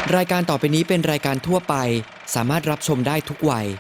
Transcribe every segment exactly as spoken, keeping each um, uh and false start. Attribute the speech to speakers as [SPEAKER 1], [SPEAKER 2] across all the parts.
[SPEAKER 1] รายการต่อไปนี้เป็นรายการทั่วไปสามารถรับชมได้ทุกวัย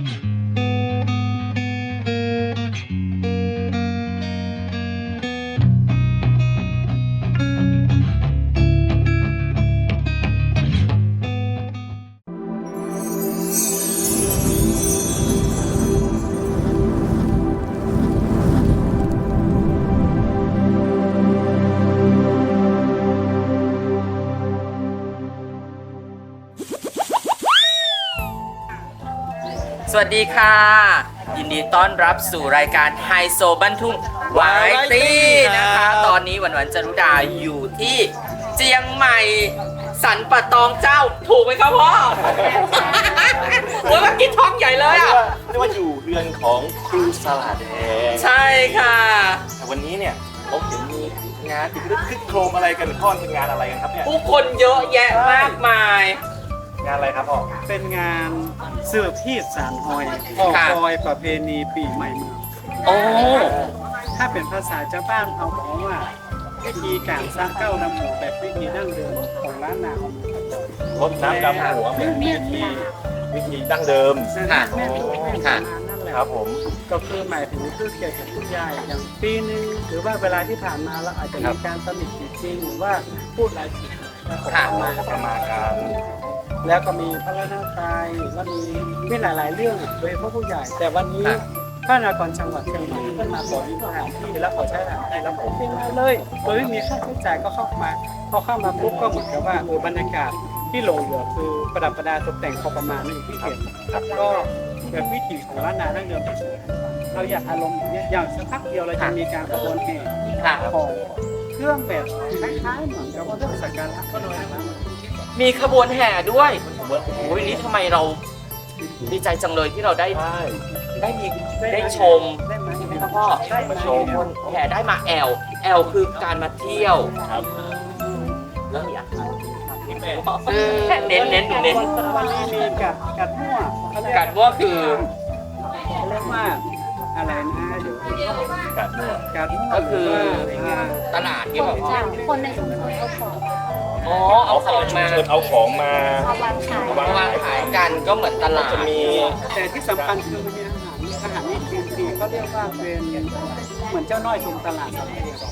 [SPEAKER 2] สวัสดีค่ะยินดีต้อนรับสู่รายการไฮโซบ้านทุ่งวาไรตี้นะคะตอนนี้หวันหวันจรุดาอยู่ที่เจียงใหม่สันปะตองเจ้าถูกไหมครับพ่อ โอ้ยเมื่อกี้ท้องใหญ่เลยอ่ะ
[SPEAKER 3] เรียกว่าอยู่เรือนของครูสลาแดง
[SPEAKER 2] ใช่ค่ะ
[SPEAKER 3] แต่วันนี้เนี่ยผมเห็นมีงานติดรึกคึกโครมอะไรกันพ่อเป็นงานอะไรกันครับเนี่ย
[SPEAKER 2] ผู้คนเยอะแยะมากมาย
[SPEAKER 3] งานอะไรครับพ่อ
[SPEAKER 4] เป็นงานเสื้อพีดสารหอยออกรอยประเพณีปีใหม่เมือง
[SPEAKER 2] โอ้
[SPEAKER 4] ถ้าเป็นภาษาชาวบ้านเขาบอกว่าวิธีการสร้างเก้าน้ำหมูแบบวิธีดั้งเดิมของร้านนาของ
[SPEAKER 3] รถน้ำดำหัวเหมือนวิธีวิธีดั้งเดิม
[SPEAKER 2] ค่ะ
[SPEAKER 4] แม่เป็นวิธี
[SPEAKER 2] ค่ะ
[SPEAKER 4] การนั่นแหละ
[SPEAKER 3] ครับผม
[SPEAKER 4] ก็คือหมายถึงคือเกี่ยวกับผู้ใหญ่อย่างปีหนึงหรือว่าเวลาที่ผ่านมาเราอาจจะมีการตำหนิติจริงหรือว่าพูดหลายสิ่งแล้วก็
[SPEAKER 2] ค่ะ
[SPEAKER 4] มา
[SPEAKER 3] ประมาณการ
[SPEAKER 4] แล้วก็มีพระราชทานแล้วมีมีหลาย ๆ เรื่องโดยเฉพาะผู้ใหญ่ แต่วันนี้
[SPEAKER 2] ค่ะ
[SPEAKER 4] พระนครจังหวัดเชียงใหม่ก็มาขอสถานที่แล้วขอใช้สถานที่แล้วผมเป็นมาเลยโดยไม่มีค่าใช้จ่ายก็เข้ามาพอเข้ามาปุ๊บก็เหมือนกับว่าเออบรรยากาศที่หลงเหลือคือประดับประดาตกแต่งพอประมาณนี้ที่เห็น
[SPEAKER 3] ครับ
[SPEAKER 4] ก็แบบวิถีของล้านนาดั้งเดิมที่สุดเราอยากอารมณ์อย่างเงี้ยอย่างสักพักเดียวเราจะมีการขบวนแห่
[SPEAKER 2] ค่ะ
[SPEAKER 4] ของเครื่องแบบคล้ายๆเหมือนกับว่าเรื่องสักการะก็โดยนะ
[SPEAKER 2] มีขบวนแห่ด้วยโอ้ยนี่ทำไมเราดีใจจังเลยที่เราได้
[SPEAKER 3] ใช่
[SPEAKER 2] ได้มีได้ชม
[SPEAKER 4] ได้ไหม
[SPEAKER 2] ใช่ไหมครับพ่อ
[SPEAKER 4] ได้ไหม
[SPEAKER 2] มาชมคนแห่ได้มาแอลแอลคือการมาเที่ยว
[SPEAKER 3] ครับ
[SPEAKER 2] แล้วมีอาหารเน้นเน้นเน้น
[SPEAKER 4] วันนี้มีกัดกัดมั่วเขาเรีย
[SPEAKER 2] การว่าคือ
[SPEAKER 4] เขาเรียกว่าอะไรนะเดี๋ยว
[SPEAKER 3] กัดมั่ว
[SPEAKER 4] กัดมั่ว
[SPEAKER 2] ก็คือ
[SPEAKER 4] ว่า
[SPEAKER 2] ตลาดที่แบบว่า
[SPEAKER 5] คนในชุมชนเอาของ
[SPEAKER 2] อ๋อเอาของมา
[SPEAKER 3] เชิญเอาของมา
[SPEAKER 5] มาวางขาย
[SPEAKER 2] วางวางขายกันก็เหมือนตลาด
[SPEAKER 3] จะมี
[SPEAKER 4] แต่ที่สำคัญคือมันมีอาหารอาหารนี่คือคือเขาเรียกว่าเป็นเหมือนเจ้าน้อยชมตลาดสมัยเด็ก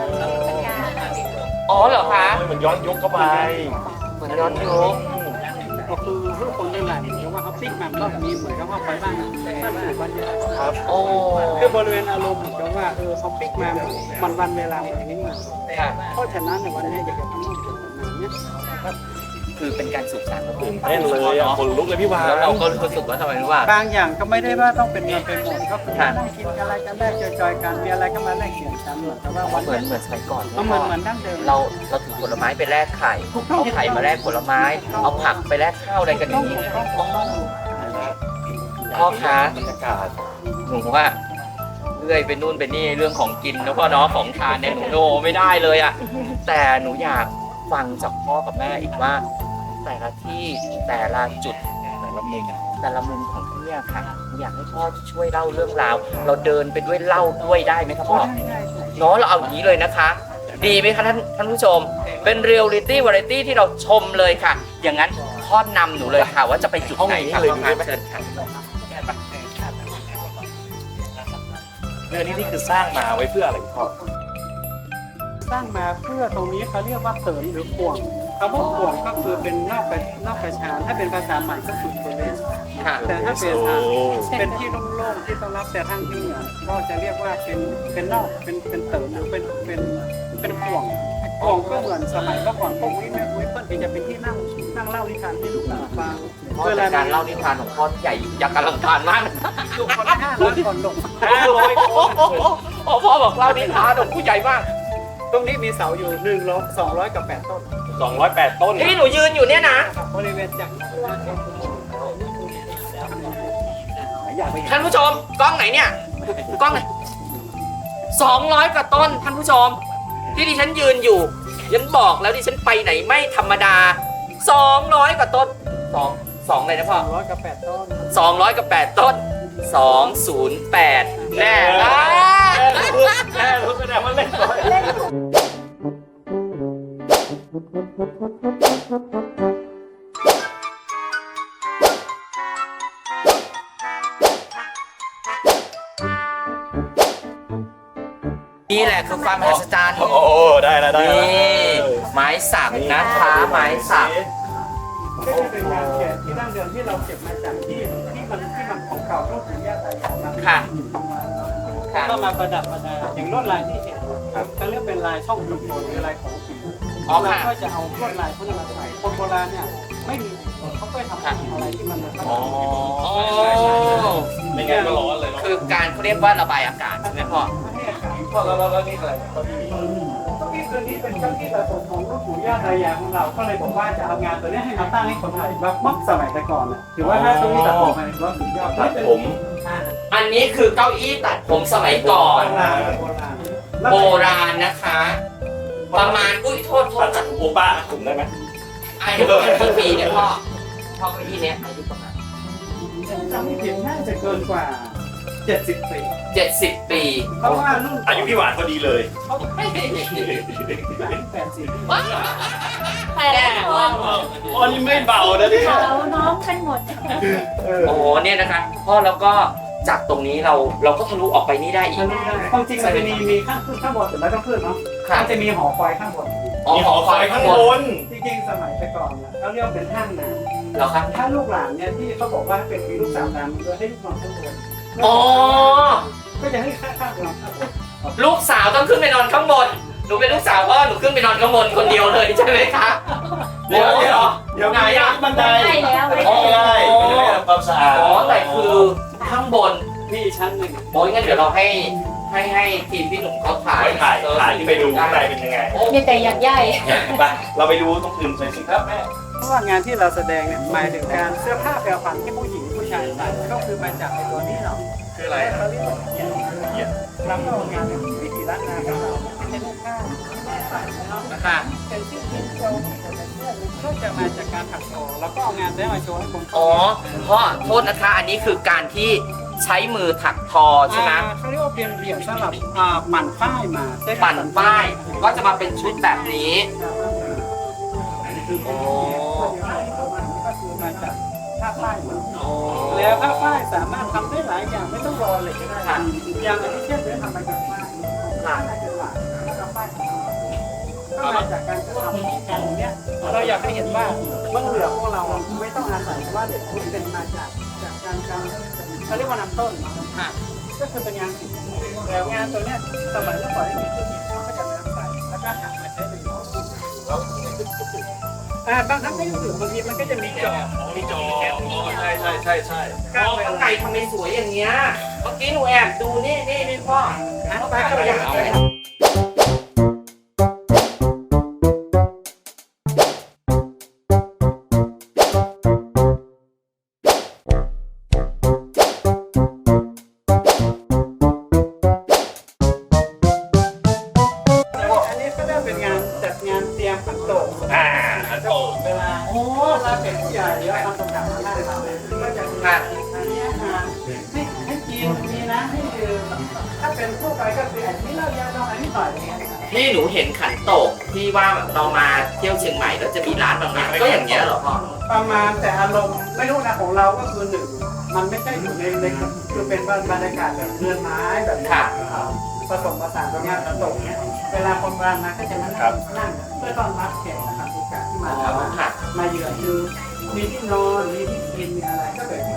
[SPEAKER 2] อ๋อเหรอคะ
[SPEAKER 3] เหมือนย้อนยุคเข้าไป
[SPEAKER 2] เหมือนย้อนยุค
[SPEAKER 4] ก็คือทุกคนได้หลายเพราะว่าเขาปิ้งมันก็มีเหมือนกับว่าไปบ้านบ้านไหนบ้านเดียว
[SPEAKER 3] ครับ
[SPEAKER 2] โอ้
[SPEAKER 4] คือบริเวณอารมณ์เหมือนกับว่าเออเขาปิ้งมามันวันเวลาแบบนี้มา
[SPEAKER 2] ค่ะ
[SPEAKER 4] เพราะฉะนั้นในวันนี้อยากจะทำให้เป็นแบบนี้
[SPEAKER 2] คือเป็นการสืบสานวัฒนธรรม
[SPEAKER 3] แน่นเลยอ่ะคนลุกเลยพี่วาน
[SPEAKER 2] แล้วเราก็รู้สึกว่าทำไมรู้ว่า
[SPEAKER 4] บางอย่างก็ไม่ได้ว่าต้องเป็นเงินเป็นหมดก็คือ
[SPEAKER 2] ค่ะ
[SPEAKER 4] นั่งกินอะไรกันได้จอยๆกันมีอะไรก็มาแลกเปลี่ยนกันเหมือนกับว่าวัน
[SPEAKER 2] เหมือนเหมือนสมัยก่อน
[SPEAKER 4] เหมือนเหมือนดั้งเดิม
[SPEAKER 2] เราเราถือผลไม้ไปแลกไข่เอาไข่มาแลกผลไม้ เอาผักไปแลกข้าวอะไรกันอย่างนี้อ๋อพ่อคะ
[SPEAKER 3] บรรยากาศ
[SPEAKER 2] หนูว่าเลื่อยไปนู่นไปนี่เรื่องของกินนะพ่อเนาะของทานเนี่ยหนูโนไม่ได้เลยอะแต่หนูอยากฟังจากพ่อกับแม่อีกว่า แต่ละที่แต่ละจุด
[SPEAKER 3] แต่ละมุม
[SPEAKER 2] แต่ละมุมของที่เนี่ยค่ะหนูอยากให้พ่อช่วยเล่าเรื่องราว เราเดินไปด้วยเล่าด้วยได้ไหมครับพ่อ เนาะเราเอาอย่างนี้เลยนะคะ ดีไหมคะท่านท่านผู้ชม เป็นเรียลลิตี้วาไรตี้ที่เราชมเลยค่ะ อย่างนั้นพ่อนำหนูเลยค่ะ ว่าจะไปจุดไหนค่ะพ่อคะเชิญค่ะ
[SPEAKER 3] เรื่องนี้นี่คือสร้างมาไว้เพื่ออะไรพ่อ
[SPEAKER 4] สร้างมาเพื่อตรงนี้เขาเรียกว่าเสริมหรือข่วงคำว่าข่วงก็คือเป็นนอกประนอกประชาถ้าเป็นภาษาใหม่ก็คือบริเวณ
[SPEAKER 2] ค่ะ
[SPEAKER 4] แต่ถ้าเป็น
[SPEAKER 3] โอ้
[SPEAKER 4] เป็นที่โล่งๆที่ต้อนรับแต่ทางที่เหนือก็จะเรียกว่าเป็นเป็นนอกเป็นเป็นเสริมหรือเป็นเป็นเป็นข่วงข่วงก็เหมือนสมัยเมื่อก่อนพวกนี้แม่คุ้ยเพิ่นที่จะเป็นที่นั่งนั่งเล่านิทานให้ลูกหลานฟัง
[SPEAKER 2] พ่อเป็นการเล่านิทานของพ่อใหญ่ยักษ์อลังการมาก
[SPEAKER 4] ลูกคนละห้าร้อยคนลง
[SPEAKER 3] ห้าร้อยคน
[SPEAKER 2] โอ้พ่อบอกเล่านิทานของผู้ใหญ่มาก
[SPEAKER 4] ตรงนี้มีเสาอยู่หนึ่งร้อยสองร้อยกับแปดต้น
[SPEAKER 3] สองร้อยแปดต้น
[SPEAKER 2] ที่หนูยืนอยู่เนี่ยนะ
[SPEAKER 4] บริเวณจาก
[SPEAKER 2] ท่านผู้ชมกล้องไหนเนี่ยกล้องไหนสองร้อยกว่าต้นท่านผู้ชม ที่ดิฉันยืนอยู่ฉันบอกแล้วดิฉันไปไหนไม่ธรรมดาสองร้อยกว่าต้นสองสองเลยนะพ่อ
[SPEAKER 4] สองร้อยกับแปดต้น
[SPEAKER 2] สองร้อยกับแปดต้นสองศูนย์แปดแน่นะ
[SPEAKER 3] แม่รู้แสดงว่าเล่นร้อย
[SPEAKER 5] เล่น
[SPEAKER 2] คือความมหัศจรรย์
[SPEAKER 3] โอ้ได้แล้วได้
[SPEAKER 2] นี่
[SPEAKER 3] แล้ว
[SPEAKER 2] ไม้สักนะคะไม้สัก
[SPEAKER 4] ก็จะเป็นงานแกะที่ดั้งเดิมที่เราเก็บมาจากที่ที่มันที่มันของเก่ารุ่นปู่ย่าตายายมา
[SPEAKER 2] ค่ะค่ะ
[SPEAKER 4] ก็มาประดับประดาอย่างลวดลายที่เห็นเขาเรียกเป็นลายช่องจุกโนหรือลายของผี
[SPEAKER 2] อ๋อ
[SPEAKER 4] เรา
[SPEAKER 2] ค่ะ
[SPEAKER 4] ก็จะเอาลวดลายพวกนี้มาใส่คนโบราณเนี่ยไม่มีเขาก็ทำอะไรที่มันมัน
[SPEAKER 3] อ๋อ
[SPEAKER 2] โอ้
[SPEAKER 3] ไม่งั้นก็ร้อนเลยเนาะ
[SPEAKER 2] คือการเขาเรียกว่าระบายอากาศใช่ไหมพ่อ
[SPEAKER 4] ให้อากาศ
[SPEAKER 3] พ่อแล้วแล้วนี่อะไรตอนนี้
[SPEAKER 4] เก้าอี้ตัวนี้เป็นเก้าอี้สะสมของรุ่นปู่ย่าตายายของเราก็เลยบอกว่าจะเอางานตัวนี้ให้มาตั้งให้คนไทยแบบมักสมัยแต่ก่อนน่ะถือว่าถ้าเก้าอี้สะสมมันว่าสุดยอด
[SPEAKER 3] ตัดผม
[SPEAKER 2] อันนี้คือเก้าอี้ตัดผมสมัยก่อน
[SPEAKER 4] โบราณโบราณ
[SPEAKER 2] โบราณนะคะ ประมาณอุ้ยโทษโท
[SPEAKER 3] ตั
[SPEAKER 2] ษ
[SPEAKER 3] ดจากโอป้าผมได้ไหม
[SPEAKER 2] อายุประมาณกี่ปีเนี่ยพ่อพ่อเก้าอี้เนี้ยอายุประมาณ
[SPEAKER 4] จำไม่ผิดน่าจะเกินกว่าเจ็ดสิบปี
[SPEAKER 2] เจ็ดสิบปี
[SPEAKER 4] เพราะว่ารุ่น
[SPEAKER 3] อายุพี่หวานพอดีเลย
[SPEAKER 4] เขาแปดสิบ
[SPEAKER 5] แต่ละคน
[SPEAKER 3] อ๋อนี่ไม่เบานะเนี่ย
[SPEAKER 5] เขาน้องกันหมด
[SPEAKER 2] โอ้โหเนี่ยนะคะพ่อแล้วก็จากตรงนี้เราเราก็ทะลุออกไปนี่ได้อีก
[SPEAKER 4] ใช่ความจริงมันจะมีมีข้างขึ้นข้างบนแต่ไม่ต้องขึ้นเนาะ
[SPEAKER 2] ค่ะ
[SPEAKER 4] มันจะมีหอคอยข้างบน
[SPEAKER 2] อ๋อ
[SPEAKER 3] มี
[SPEAKER 2] ห
[SPEAKER 3] ห
[SPEAKER 2] อ
[SPEAKER 3] อ
[SPEAKER 2] ค
[SPEAKER 3] ค
[SPEAKER 2] อ
[SPEAKER 3] อย ย
[SPEAKER 2] ข้า
[SPEAKER 3] ข้าง ง
[SPEAKER 2] บบ น
[SPEAKER 3] น
[SPEAKER 4] จริงๆสมัยแต่ก่อนเนี่ยเขาเรียกว่าเป็นห้างน้
[SPEAKER 2] เหรอครับ
[SPEAKER 4] ำถ้าลูกหลานเนี่ยที่เขาบอกว่าเป็นมีลูกสาวตามโดยให้ลูกนอนข้างบน
[SPEAKER 2] อ๋อ
[SPEAKER 4] ก็จะให้ข้างข้างนอนข้างบน
[SPEAKER 2] ลูกสาวต้องขึ้นไปนอนข้างบนหนูเป็นลูกสาวพ่อหนูขึ้นไปนอนข้างบนคนเดียวเลยใช่ไหมคะ
[SPEAKER 3] เดี๋ยวเดี๋ยวเดี๋ยว
[SPEAKER 2] ไหนอ่ะ
[SPEAKER 3] บันได
[SPEAKER 5] ได้แล้วไม่
[SPEAKER 2] อ๋อ
[SPEAKER 5] ได้
[SPEAKER 3] ไม่ได้ไม่ได้ทำความสะอาด
[SPEAKER 2] อ๋อแต่คือข้างบน
[SPEAKER 4] มีชั้นหนึ่ง
[SPEAKER 2] โอ้ยงั้นเดี๋ยวเราให้ให้ให้ทีมพี่หนุ่มเขาถ่าย
[SPEAKER 3] ไปถ่ายถ่ายที่ไปดูข้างในเป็นยังไง
[SPEAKER 2] โอ้
[SPEAKER 5] มีแต่ยักษ์ใหญ่
[SPEAKER 3] ไปเราไปดูตรงอื่นหน่อยสิครับแม่
[SPEAKER 4] เพราะว่างานที่เราแสดงเนี่ยหมายถึงการเสื้อผ้าแปลผันที่ผู้หญิงผู้ชายใส่ก็คือมาจากในตัวนี้เนาะ
[SPEAKER 3] คืออะไร
[SPEAKER 4] เขาเรียกว่าเกียรติเกียรติเราก็เอางานวิถีล้านนาของเราเป็นเสื้อผ้าที่แม่ใส่เนาะ
[SPEAKER 2] ค่ะ
[SPEAKER 4] เป็นชื่อที่เราเป็นเสื้อก็จะมาจากการถักทอแล้วก็เอางานได้มาโชว์ให้คน
[SPEAKER 2] อ๋อพ่อโทษนะคะ อันนี้คือการที่ใช้มือถักทอใช่ไหม
[SPEAKER 4] อ่าเขาเรียกว่าเปลี่ยนเหลี่ยมสำหรับอ่าปั่นฝ้ายมาได้
[SPEAKER 2] ปั่นป้ายก็จะมาเป็นชุดแบบนี้
[SPEAKER 4] โอ้ก็คือมาจากผ้าฝ้ายมา
[SPEAKER 2] โอ้
[SPEAKER 4] แล้วผ้าฝ้ายสามารถทำได้หลายอย่างไม่ต้องรอเหล็กก็ได้อย่างอันที่เช่นเนี้ยทำมาจากฝ้ายฝ้ายได้เป็นหลักแล้วก็ฝ้ายก็มาจากการทำของการเนี้ยเราอยากให้เห็นว่าเบื้องเหลือพวกเราไม่ต้องอาศัยว่าเด็กคุณเป็นมาจากจากการการเขาเรียกว่านำต้น
[SPEAKER 2] ค่ะ
[SPEAKER 4] ก็คือเป็นงานศิลป์แล้วงานตัวเนี้ยสมัยเมื่อก่อนที่มีเครื่องมือเขาก็จะนำใส่แล้วก็หักมาใช้เป็นอ่าบางครั้งไม่รู้สึกบางทีมันก็จะมีจอ
[SPEAKER 3] มีจอใช่ใช่ใช่ใช่
[SPEAKER 2] อ๋อข้างในทำไมสวยอย่างเงี้ยเมื่อกี้หนูแอบดูนี่นี่นี่พ่อ
[SPEAKER 4] อ่ะ
[SPEAKER 2] เขา
[SPEAKER 4] ไป
[SPEAKER 2] ทำ
[SPEAKER 4] ก็
[SPEAKER 2] ตัว
[SPEAKER 4] อ
[SPEAKER 2] อย่า
[SPEAKER 4] ย่าง ง
[SPEAKER 2] ไร
[SPEAKER 4] อันนี้ก็ได้เป็นงานจัดงานเตรียมขันโตก
[SPEAKER 3] อ่าอันโต
[SPEAKER 4] เวลาโอ้เวลาเป็นผู้ใหญ่แล้วทำตรงนั้นได้เราเนี่ยก็จะมี
[SPEAKER 2] ค่ะ
[SPEAKER 4] อันนี้อาหารให้ให้กินมีน้ำให้ดื่มถ้าเป็นทั่วไปก็คืออันนี้เรายาดองอันนี้หน่อยอย่างเงี้ย
[SPEAKER 2] นี่หนูเห็นขันโตกที่ว่าเรามาเที่ยวเชียงใหม่แล้วจะมีร้านบางร้านก็อย่างเงี้ยเหรอพ่อ
[SPEAKER 4] ประมาณแต่อารมณ์ไม่รู้นะของเราก็คือหนึ่งมันไม่ใช่อยู่ในในคือเป็นบรรยากาศแบบเรือนไม้แบบนี้ผสมผสานกับงานขันโตกเนี้ยเวลาคนมามาก็จะมานั่งเพื่อต้อนรับแขกนะครับทุกการที่
[SPEAKER 2] อ๋
[SPEAKER 4] มา
[SPEAKER 2] อค่ะ
[SPEAKER 4] มาเยือนคือมีที่นอนมีที่กินมีอะไรก็แบบที่